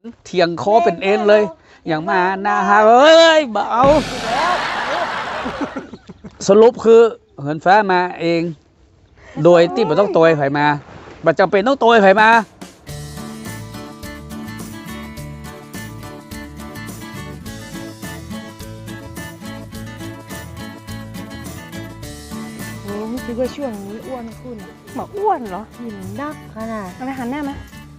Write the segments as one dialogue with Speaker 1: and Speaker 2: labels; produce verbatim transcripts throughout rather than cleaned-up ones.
Speaker 1: เถียงคอเป็นเอ็นเลยอย่างมาหน้าฮาเอ้ยเบาสรุปคือเหินฟ้ามาเองโดยที่ไม่ต้องตัวไผ่มาบัดจำเป็นต้องตัวไผ่มา
Speaker 2: โอ้คิดว่าช่วงนี้อ้วนขึ้น
Speaker 3: หมาอ้วนเหรอ
Speaker 2: หินนักขนาด
Speaker 3: เอาไปหันหน้ามา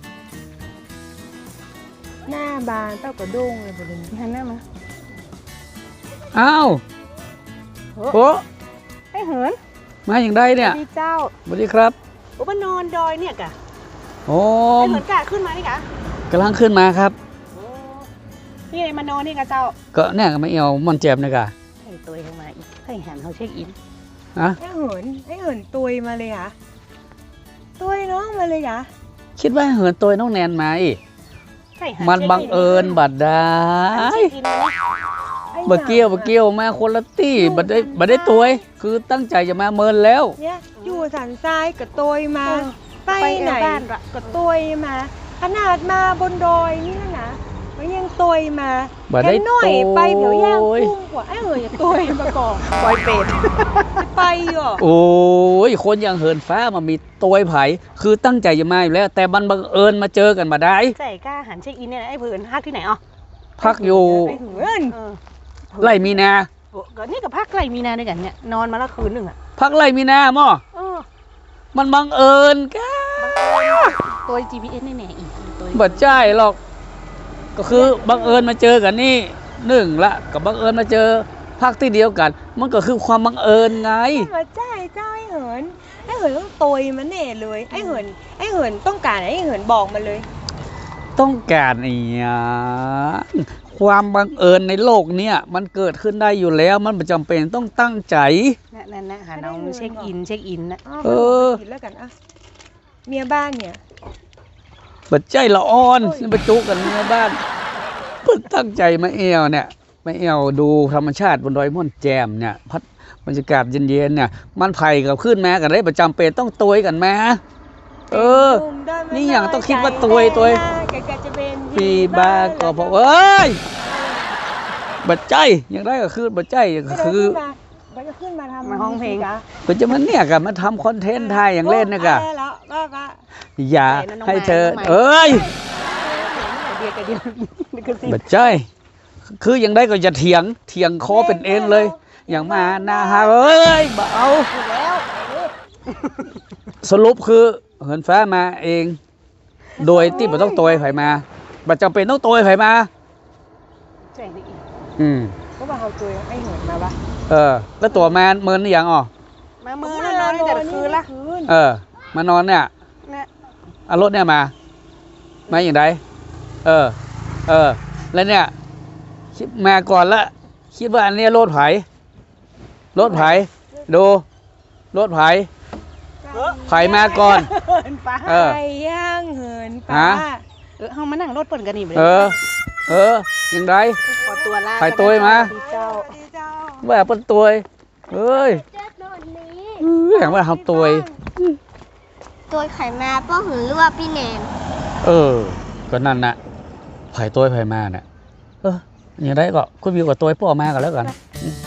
Speaker 2: หน้าบานเต้ากระด้งเลยประเด็น
Speaker 3: หันหน้ามา
Speaker 1: อ้าวโอ้
Speaker 3: ไอ้เหิน
Speaker 1: มาอย่างไรเนี่ย
Speaker 3: ดีเจ้า
Speaker 1: สวัสดีครับ
Speaker 3: โอ้มานอนดอยเนี่ยกะ
Speaker 1: โอ้
Speaker 3: ไอ้เหินกะขึ้นมานี่กะ
Speaker 1: กำลังขึ้นมาครับ
Speaker 3: โอ้นี่ไงมานอนนี่กะเจ้า
Speaker 1: ก็เนี่ยก็ไม่เอามอนเจ็บนะกะ
Speaker 3: ให้ตัวเองมาอีกให้หันเขาเช็คอิน
Speaker 1: ฮะ
Speaker 2: ไอ้เหินไอ้เหินตุยมาเลยอ่ะตุยน้องมาเลยอ่ะ
Speaker 1: คิดว่าเหินตัวน้องแนนมาอีก
Speaker 3: ให้หั
Speaker 1: มันบังเอิญบัดได้
Speaker 3: หันเช็คอินเลย
Speaker 1: บะเกี้ยวบะเกี้ยวมาคนละตี้บัดได้บัดได้ตัวคือตั้งใจจะมาเมินแล้ว
Speaker 2: เนี่ยอยู่สันทรายกับตุยมา ไป
Speaker 3: ไป
Speaker 2: ไหน
Speaker 3: บ้านละ
Speaker 2: กับตุยมา ขนาดมาบนดอยนี่นะนะมันยังตุยมา
Speaker 1: บัดได้
Speaker 2: แค่หน่อยไปเผียวย่าง
Speaker 1: โอ้ย
Speaker 2: กุ้งกว่าไอ้เหินอย่าตุยมาก่อน
Speaker 3: ปล่อยเป็ด
Speaker 2: ไปเหรอ
Speaker 1: โอ้ยคนอย่างเหินฟ้ามามีตัวไผ่คือตั้งใจจะมาอยู่แล้ว แต่มันบังเอิญมาเจอกันมาได้
Speaker 3: ใจกล้าหันเช็คอินเนี่ยไอ้เหินพักที่ไหนอ่ะ
Speaker 1: พักอยู่
Speaker 2: ไอ้เหิน
Speaker 3: เออ
Speaker 1: ไร่มีนา
Speaker 3: โอ้ก็นี่กับพักไกลมีนาด้วยกันเนี่ยนอนมาละคืนหนึ่งอ่ะ
Speaker 1: พักไร่มีนาหม้อ
Speaker 3: เออ
Speaker 1: มันบังเอิญก้า
Speaker 3: ตัว จี พี เอส แน่ๆอีกตัว
Speaker 1: บัดใจหรอก ก็คือบังเอิญมาเจอกันนี่หนึ่งละกับบังเอิญมาเจอพักที่เดียวกัน มันก็คือความบังเอิญไง
Speaker 2: มาใจเจ้าไอ้เหินไอ้เหินต้องตุยมาแน่เลยไอ้เหินไอ้เหินต้องการอะไรไอ้เหินบอกมาเลย
Speaker 1: ต้องการอีหยังความบังเอิญในโลกเนี้ยมันเกิดขึ้นได้อยู่แล้ว มันไม่จำเป็นต้องตั้งใจ
Speaker 3: นั่นๆนะหาน้องเช็คอินเช็คอินนะ
Speaker 2: าว
Speaker 1: เออ
Speaker 2: ไปกินแล้วกันอ่ะเมียบ้านเนี่ย
Speaker 1: บัดใจละอ่อนนี่ประจุกันในบ้านเพิ่งตั้งใจมาเอวเนี่ยมาเอวดูธรรมชาติบนดอยม่อนแจมเนี่ยพัดบรรยากาศเย็นๆเนี่ยมันไผ่กับขึ้นมากันได้ประจำเป็นต้องตัวกันมาเออ
Speaker 2: หนุ่มได้ไม่
Speaker 1: นี่อย่างต้องคิดว่า
Speaker 2: น้
Speaker 1: ตัวยตัว
Speaker 2: แกแกจะเป็น
Speaker 1: ปีบาก็พอเอ้ยบัดใจยังได้ก็คือบัดใจก็คือ
Speaker 2: มันจะขึ้นมาทำ
Speaker 3: มาห้องเพลง
Speaker 2: กะ
Speaker 1: ก็จะมันเนี่ยกับมาทำคอนเทนต์ไทยอย่างเล่นนะกะ
Speaker 2: โอ้แล้วก็ก็
Speaker 1: อย่า
Speaker 3: ไหนนะน้อง
Speaker 1: ให้
Speaker 3: ไม้
Speaker 1: เธอ
Speaker 3: น้องไม้
Speaker 1: เอ้ย
Speaker 3: เดียวกันเดียวนี่คือสิ
Speaker 1: บัดใจคือยังได้ก็จะเถียงเถียงคอเป็นเอ็นเลย อย่างมาหน้าฮาเอ้ยเบา
Speaker 3: ถูกแล้ว
Speaker 1: สรุปคือเหินฟ้ามาเอง โดยที่ไม่ต้องตัวไผ่มาบัดจำเป็นต้องตัวไผ่มา
Speaker 3: แจ้งได้อีก
Speaker 1: อืม
Speaker 2: ก็ว่าเอาตัวไอ้เหินมาปะ
Speaker 1: เออ แล้วตัวมาเมินหรือยังอ๋อ
Speaker 3: มามือแล้วนอนตั้งแต่คืนละ
Speaker 2: คืน
Speaker 1: เออ มานอนเนี่ย
Speaker 3: นะ
Speaker 1: เอารถเนี่ยมามาอย่างไรเออ เออ แล้วเนี่ยคิดมาก่อนละคิดว่าอันเนี้ยรถไผ่รถไผ่ดูรถไผ่ไผ่มาก่อน
Speaker 3: เหินฟ้า
Speaker 1: เออ
Speaker 2: ไปย่างเหิน
Speaker 1: ฮะ
Speaker 2: ป้า
Speaker 3: เออเฮามานั่งรถเปิ่นกันนี่ไป
Speaker 1: เออ เอออย่างไร
Speaker 3: ขอตัวลา
Speaker 1: ไปตัวมา
Speaker 3: เจ้า
Speaker 2: ดีเจ้า
Speaker 1: ว่าเป็นตัวเอ้ยเอ้ยอย่างว่าทำตัว
Speaker 4: ตัวไข่มาป้อหือหรือว่าพี่แนน
Speaker 1: เออ ก็นั่นน่ะไผ่ตัวไผ่มาเนี่ยเอออย่างไรก็คุณวิวกับตัวพ่อมากันแล้วกัน
Speaker 2: ไ